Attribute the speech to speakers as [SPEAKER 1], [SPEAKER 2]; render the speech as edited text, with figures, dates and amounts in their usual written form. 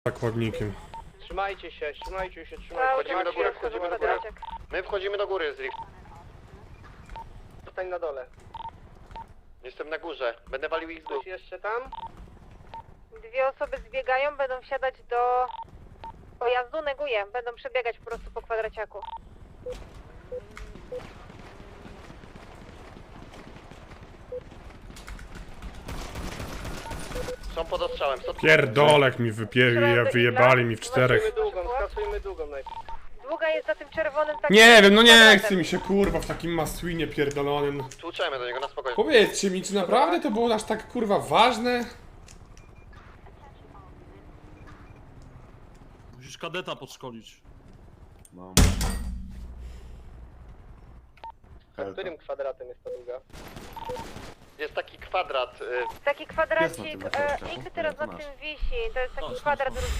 [SPEAKER 1] zakładnikiem.
[SPEAKER 2] Trzymajcie się, trzymajcie się.
[SPEAKER 3] Wchodzimy do góry, wchodzimy do góry. My wchodzimy do góry z Rift.
[SPEAKER 2] Zostań na dole.
[SPEAKER 3] Jestem na górze, będę walił ich z dół.
[SPEAKER 2] Ktoś jeszcze tam?
[SPEAKER 4] Dwie osoby zbiegają, będą wsiadać do pojazdu, neguję. Będą przebiegać po prostu po kwadraciaku.
[SPEAKER 3] Są pod ostrzałem.
[SPEAKER 1] Pierdolek mi wyjebali mi w czterech.
[SPEAKER 2] Skasujmy długą najpierw.
[SPEAKER 4] Długa jest za tym czerwonym takim...
[SPEAKER 1] Nie wiem, no nie
[SPEAKER 4] kwadratem.
[SPEAKER 1] chce mi się kurwa w takim maslinie pierdolonym.
[SPEAKER 3] Tłuczemy do niego na spokojnie.
[SPEAKER 1] Powiedzcie mi, czy naprawdę to było aż tak kurwa ważne?
[SPEAKER 5] Musisz kadeta podszkolić.
[SPEAKER 6] No.
[SPEAKER 2] Za którym kwadratem jest ta długa?
[SPEAKER 3] Jest taki kwadrat.
[SPEAKER 4] Taki kwadracik,
[SPEAKER 6] Jest na tym
[SPEAKER 4] X teraz na tym wisi. To jest taki kwadrat